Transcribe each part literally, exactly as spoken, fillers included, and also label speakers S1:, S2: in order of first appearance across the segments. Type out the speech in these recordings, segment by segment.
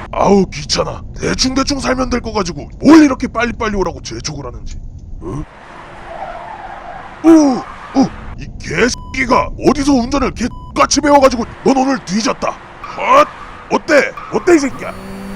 S1: 아우 귀찮아. 대충대충 살면 될 거 가지고 뭘 이렇게 빨리빨리 오라고 재촉을 하는지. 어? 오! 어! 이 개새끼가 어디서 운전을 개같이 배워가지고 넌 오늘 뒤졌다. 헛! 어때? 어때 이 새끼야?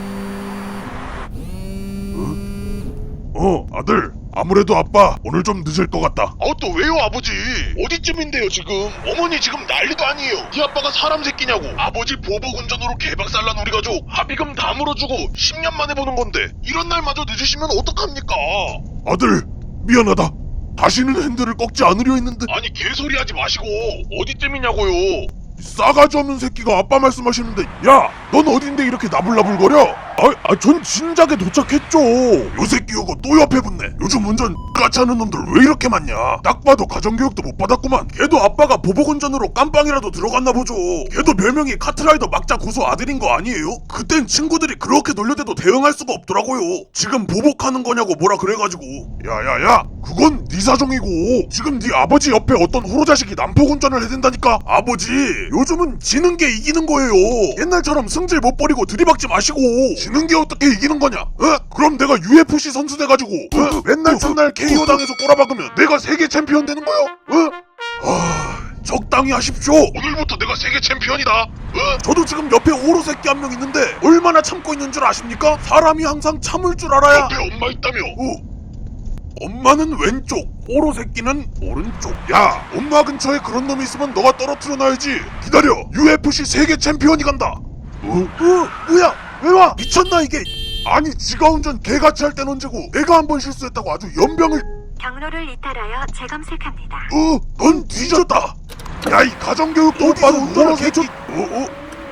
S1: 어? 어 아들, 아무래도 아빠 오늘 좀 늦을 것 같다.
S2: 아 또 왜요 아버지? 어디쯤인데요 지금? 어머니 지금 난리도 아니에요. 네 아빠가 사람 새끼냐고. 아버지 보복 운전으로 개박살난 우리 가족 합의금 다 물어주고 십 년 만에 보는 건데 이런 날마저 늦으시면 어떡합니까?
S1: 아들 미안하다. 다시는 핸들을 꺾지 않으려 했는데.
S2: 아니 개소리 하지 마시고 어디쯤이냐고요.
S1: 이 싸가지 없는 새끼가 아빠 말씀하시는데, 야, 넌 어딘데 이렇게 나불나불거려? 아, 아, 전 진작에 도착했죠. 요 새끼 요거 또 옆에 붙네. 요즘 운전 같이 하는 놈들 왜 이렇게 많냐? 딱 봐도 가정교육도 못 받았구만. 걔도 아빠가 보복운전으로 깜빵이라도 들어갔나 보죠. 걔도 별명이 카트라이더 막자 고수 아들인 거 아니에요? 그땐 친구들이 그렇게 놀려대도 대응할 수가 없더라고요. 지금 보복하는 거냐고 뭐라 그래가지고. 야야야, 그건 네 사정이고 지금 네 아버지 옆에 어떤 호로자식이 난폭운전을 해댄다니까. 아버지, 요즘은 지는 게 이기는 거예요. 옛날처럼 승질 못 버리고 들이박지 마시고. 지는 게 어떻게 이기는 거냐? 어? 그럼 내가 유에프씨 선수 돼가지고 어? 맨날 첫날 케이오 당해서 꼬라박으면 내가 세계 챔피언 되는 거야? 어? 아, 적당히 하십시오.
S2: 오늘부터 내가 세계 챔피언이다. 어?
S1: 저도 지금 옆에 오로 새끼 한 명 있는데 얼마나 참고 있는 줄 아십니까? 사람이 항상 참을 줄 알아야.
S2: 옆에 엄마 있다며.
S1: 어. 엄마는 왼쪽, 오로 새끼는 오른쪽. 야, 엄마 근처에 그런 놈이 있으면 너가 떨어뜨려 놔야지. 기다려, 유에프씨 세계 챔피언이 간다. 어? 어? 뭐야? 왜 와? 미쳤나 이게? 아니, 지가 운전 개같이 할 땐 언제고 내가 한 번 실수했다고 아주 연병을.
S3: 경로를 이탈하여 재검색합니다.
S1: 어? 넌 뒤졌다. 야, 이 가정교육도 못 받은 운전을 개쳐. 어?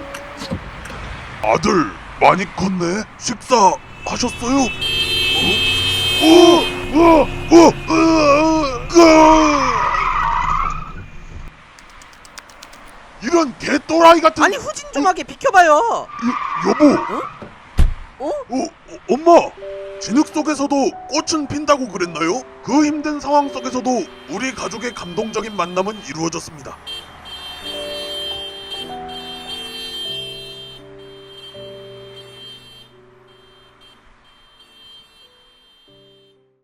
S1: 어? 아들, 많이 컸네. 식사하셨어요? 어? 어? 어, 어, 어, 어, 이런 개또라이 같은.
S4: 아니 후진 좀 하게 비켜봐요.
S1: 여, 여보.
S4: 어?
S1: 어, 어, 엄마. 진흙 속에서도 꽃은 핀다고 그랬나요? 그 힘든 상황 속에서도 우리 가족의 감동적인 만남은 이루어졌습니다.